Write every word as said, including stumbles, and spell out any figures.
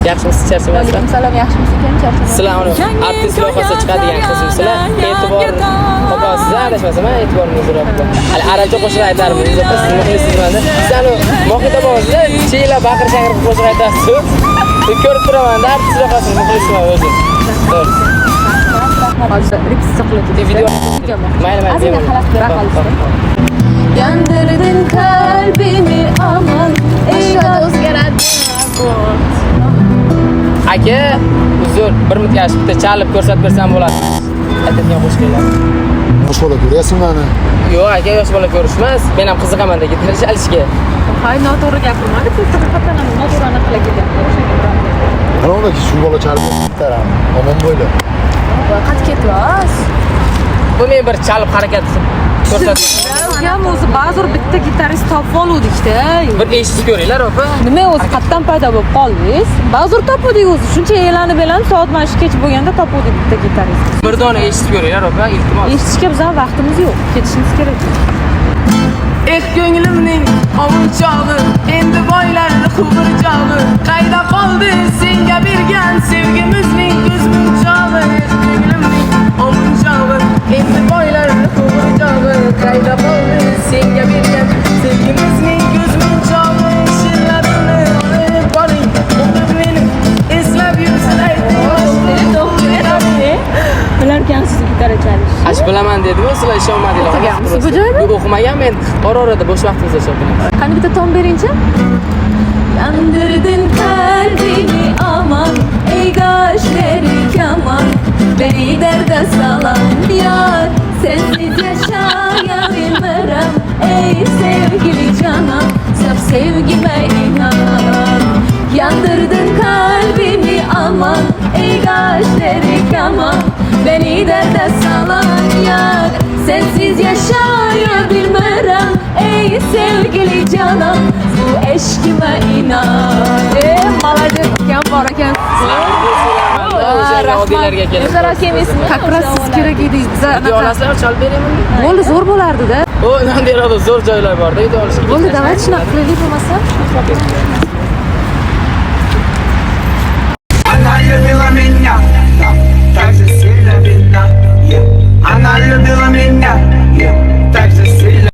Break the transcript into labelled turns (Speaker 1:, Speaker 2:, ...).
Speaker 1: Yaxshimisiz, charchamaysiz?
Speaker 2: Alaykum yaxshimisiz ekan, charchamaysiz.
Speaker 1: Sizlar uni artist loyihasida chiqadigan qizmisizlar. E'tibor topasiz, adashmasam, e'tiboringizni so'rabdi. Hali arabcha qo'shiq aytarmiz, siz muxlisizmanda. Sizlar Mohita bog'ida chiyla baqir chaqir qo'shiq aytasiz. Men ko'rib turaman, artist loyihasini muxlisman o'zim. To'g'ri.
Speaker 2: Hozir repetitsiya qiladi.
Speaker 1: Video mayli mayli.
Speaker 2: Azina xalaq bera Yandırdın kalbimi aman Aşkada o'zgaradi
Speaker 1: Aka, uzr, bir minut yaxshi bitta chalib ko'rsatib bersam bo'ladi. Aytadigan qo'shiqlar.
Speaker 3: Yosh bola ko'ryapsizmi mani?
Speaker 1: Yo'q, aka, yosh bola ko'rishmas. Men ham qiziqaman-da gitarish alishga.
Speaker 2: Hay, noto'g'ri gapirmadi. Haqiqatan ham noto'g'ri qila ketyapti.
Speaker 3: Ana unda shu bola chalib taram. Omon bo'yla.
Speaker 2: Qat ketmas.
Speaker 1: Bu men bir chalib harakat ko'rsatdim.
Speaker 2: Ham o'zi ba'zir bitta gitarist topib oluvdik-da.
Speaker 1: Bir eshitib ko'ringlar, opa.
Speaker 2: Nima o'zi qatdan paydo bo'lib qoldingiz? Ba'zir topuvdik o'zi. Shuncha e'lanib e'lanib soat mana shu kech bo'lganda topuvdik bitta gitarist.
Speaker 1: Bir dona eshitib ko'ringlar, opa, iltimos.
Speaker 2: Eshitishga bizning vaqtimiz yo'q. Ketishimiz kerak.
Speaker 1: Eh ko'nglimning ovunchog'i, endi boylarni quvurchog'i. Qayda qoldi senga bergan sevgimizning ko'zmunchog'i? Eh ko'nglimning ovunchog'i, endi boylarni quvurchog'i. Qayda qoldi senga bergan sevgimizning ko'zmunchog'i? Shirlarini olib boring, umrim meni eslab yursin ayting.
Speaker 2: Bilarkansiz gitara chalish.
Speaker 1: Ash bilaman dedi-ku, sizlar ishonmadinglar.
Speaker 2: O'qiganmisiz bu joyda?
Speaker 1: Yo'q, o'qimagan, men ora-orada bo'sh vaqtimizda chopinaman.
Speaker 2: Qani bitta ton beringchi? Yandırdın kalbimi aman ey gözleri kaman beni derde salan yar sensiz yaşayabilmem ey sevgili canım saf sevgime inan yandırdın kalbimi aman ey gözleri kaman beni derde salan yar sensiz yaşayabilmem ey sevgili canım bu eşkime inan. Eee молодец, kim var ekan?
Speaker 1: Odillarga kelib.
Speaker 2: Bizlar akemizmi? Как раз siz kerak edi.
Speaker 1: Video olasizlar, chalib beraymi?
Speaker 2: Bo'ldi, zo'r bo'lardi-da.
Speaker 1: O, nima deyapti? Zo'r joylar bor-da, video olishga.
Speaker 2: Bo'ldi, давайте shunaqa qilaylik bo'lmasa.